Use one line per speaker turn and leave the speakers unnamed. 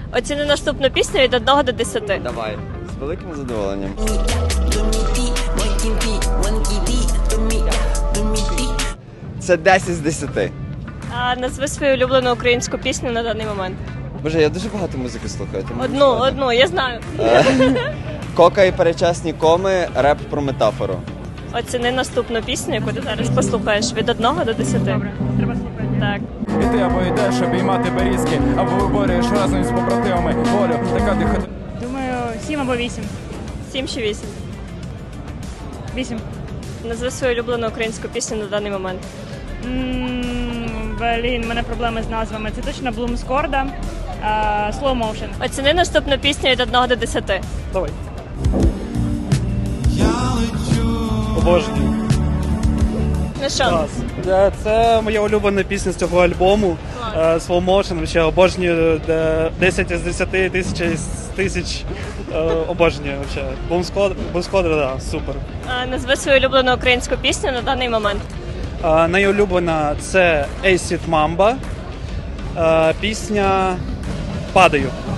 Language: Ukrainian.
Оціни наступну пісню від 1 до 10.
Давай. З великим задоволенням. Це 10 з 10.
Назви свою улюблену українську пісню на даний момент.
Боже, я дуже багато музики слухаю. ти можеш сказати?
Одну, я знаю.
Кока і перечасні коми, реп про метафору.
Оціни наступну пісню, яку ти зараз послухаєш від 1 до 10.
Добре, треба слухати.
Так.
І ти або йдеш обіймати берізки, або виборюєш разом з побратимами волю. Така ти ходи.
Думаю, 7 або 8.
7 чи 8.
8.
Назви свою улюблену українську пісню на даний момент.
Блін, в мене проблеми з назвами. Це точно Bloom Scorda, Slow Motion.
Оціни наступну пісню від 1 до 10.
Давай. Обожнюю.
Ну що?
Клас. Це моя улюблена пісня з цього альбому. Slow Motion. Ще обожнюю 10 з 10, 1000 з 1000. Обожнюю. Bloom Scorda, да, супер.
Назви свою улюблену українську пісню на даний момент.
Найулюблена це Acid Mamba. Пісня «Падаю».